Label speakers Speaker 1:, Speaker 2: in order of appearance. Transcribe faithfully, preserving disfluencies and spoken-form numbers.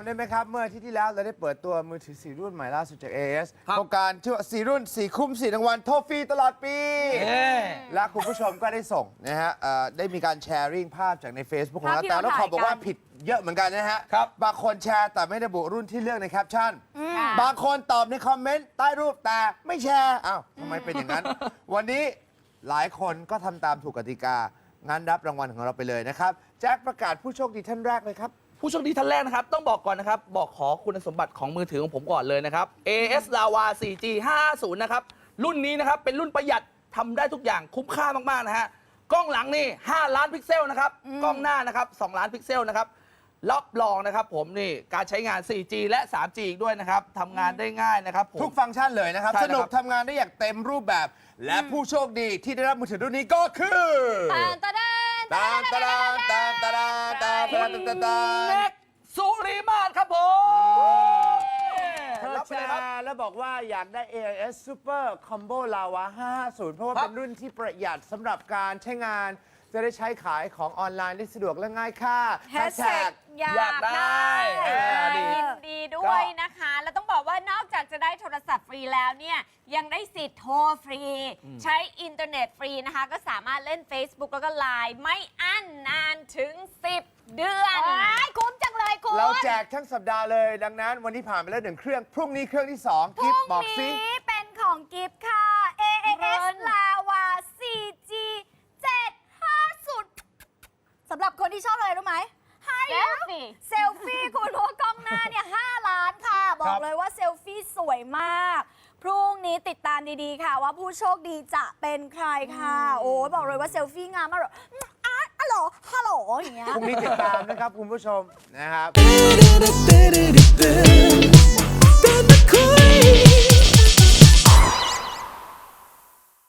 Speaker 1: ได้ไหมครับเมื่ออาทิตย์ที่แล้วเราได้เปิดตัวมือถือสี่รุ่นใหม่ล่าสุดจาก เอ เอส โครงการชื่อว่าสี่รุ่นสี่คุ้มสี่รางวัลโทรฟรีตลอดปีและคุณผู้ชมก็ได้ส่งนะฮะได้มีการแชร์ริ่งภาพจากใน Facebook ของเราแต่ต้องขอบอกว่าผิดเยอะเหมือนกันนะฮะบางคนแชร์แต่ไม่ระบุรุ่นที่เลือกในแคปชั่นบางคนตอบในคอมเมนต์ใต้รูปแต่ไม่แชร์อ้าวทำไมเป็นอย่างนั้น วันนี้หลายคนก็ทำตามถูกกติกางั้นรับรางวัลของเราไปเลยนะครับแจ็คประกาศผู้โชคดีท่านแรกเลยครับ
Speaker 2: ผู้โชคดีท่านแรกนะครับต้องบอกก่อนนะครับบอกขอคุณสมบัติของมือถือของผมก่อนเลยนะครับ เอ เอส Lava โฟร์จี ห้าห้าศูนย์ นะครับรุ่นนี้นะครับเป็นรุ่นประหยัดทำได้ทุกอย่างคุ้มค่ามากๆนะฮะกล้องหลังนี่ห้าล้านพิกเซลนะครับกล้องหน้านะครับสองล้านพิกเซลนะครับรับรองนะครับผมนี่การใช้งาน โฟร์จี และ ทรี จี อีกด้วยนะครับทำงานได้ง่ายนะครับผม
Speaker 1: ทุกฟังก์ชันเลยนะครับสนุกทำงานได้อย่างเต็มรูปแบบและผู้โชคดีที่ได้รับมือถือรุ่นนี้ก็คือตามตาดานตามตาดานตามตาดานตามตาดานตามตาดาน
Speaker 2: เล็กสุริมาศครับผม
Speaker 1: เธอแชร์แล้วบอกว่าอยากได้ เอ เอส Super Combo Lava ห้าห้าศูนย์เพราะว่าเป็นรุ่นที่ประหยัดสำหรับการใช้งานจะได้ใช้ขายของออนไลน์ได้สะดวกและง่ายค่ะ
Speaker 3: แฮชแท็กอยากได้ยินดีด้วยนะคะ แล้วต้องบอกว่านอกจากจะได้โทรศัพท์ฟรีแล้วเนี่ยยังได้สิทธิ์โทรฟรีใช้อินเทอร์เน็ตฟรีนะคะก็สามารถเล่น Facebook แล้วก็ไลน์ไม่อั้นนานถึงสิบเดือนคุ้มจังเลยคุณ
Speaker 1: เราแจกทั้งสัปดาห์เลยดังนั้นวันนี้ผ่านไปแล้วหนึ่งเครื่องพรุ่งนี้เครื่องที่สองกิฟต์บอกซิ
Speaker 3: พรุ่งนี้เป็นของกิฟต์ค่ะ เอ เอ เอส Lava โฟร์จี เจ็ดห้าศูนย์สำหรับคนที่ชอบอะไรรู้ไหมให้เซลฟี่เซลฟี่คุณเพราะกล้องหน้าเนี่ยห้าล้านค่ะ บอกเลยว่าเซลฟี่สวยมาก พรุ่งนี้ติดตามดีๆค่ะว่าผู้โชคดีจะเป็นใครค่ะ โอ้บอกเลยว่าเซลฟี่งามมากเลยอ่ะฮัลโหลฮัลโหลอย่างเงี้ย
Speaker 1: พรุ่งนี้ติดตามนะครับคุณผู้ชมนะครับ